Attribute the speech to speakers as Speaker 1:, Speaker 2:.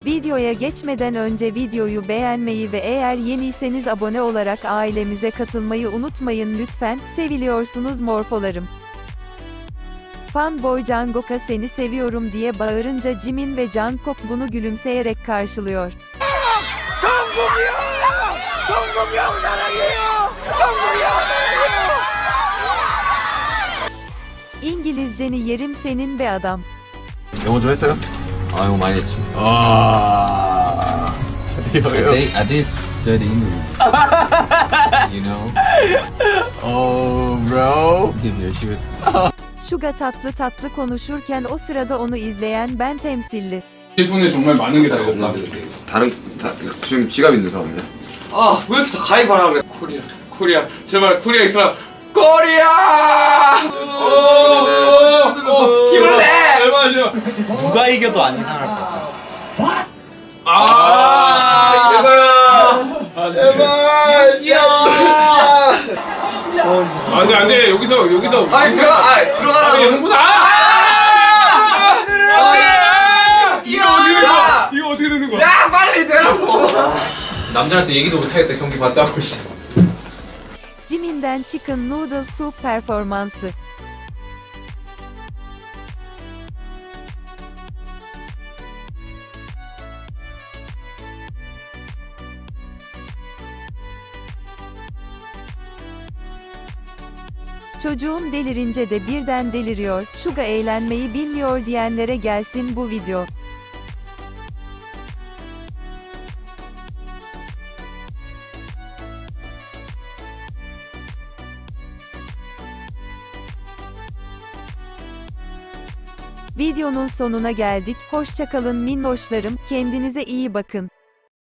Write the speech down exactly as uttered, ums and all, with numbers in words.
Speaker 1: Videoya geçmeden önce videoyu beğenmeyi ve eğer yeniyseniz abone olarak ailemize katılmayı unutmayın lütfen. Seviliyorsunuz morfolarım. Fanboy Jungkook'a seni seviyorum diye bağırınca Jimin ve Jungkook bunu gülümseyerek karşılıyor.
Speaker 2: 정국이요! 정국이 형 사랑해요! 정국이 형 사랑해요!
Speaker 1: İngilizceni yerim senin be adam.
Speaker 3: 영어 좀 했어요?
Speaker 4: 아, 이거 많이 했지.
Speaker 3: 아.
Speaker 4: I think I did study English. You know,
Speaker 3: Oh, bro.
Speaker 4: give your shit.
Speaker 1: Suga tatlı tatlı konuşurken o sırada onu izleyen ben temsilli.
Speaker 5: 내 손에 정말 많은 게 달렸다.
Speaker 3: 다른 다, 지금 지갑 있는 사람이야?
Speaker 2: 아, 왜 이렇게 다 가입하라 그래? 코리아, 코리아, 제발 코리아 있어라. 코리아! 오, 오, 힘을 내! 얼마나
Speaker 6: 누가 이겨도 안 이상할 것 같아.
Speaker 2: 아, 제발! 제발! 야!
Speaker 5: 안돼 안돼 여기서 여기서.
Speaker 2: 아니 들어가, 아 들어가라.
Speaker 5: 아니 형분 아! 이거 어떻게 되는 거야? 이거 어떻게 되는 거야?
Speaker 2: 야, 빨리 내라고.
Speaker 4: 남들한테 얘기도 못하겠다 경기 봤다고.
Speaker 1: Jimin'den Chicken Noodle Soup performansı. Çocuğum delirince de birden deliriyor, Suga eğlenmeyi bilmiyor diyenlere gelsin bu video. Videonun sonuna geldik, hoşça kalın minnoşlarım, kendinize iyi bakın.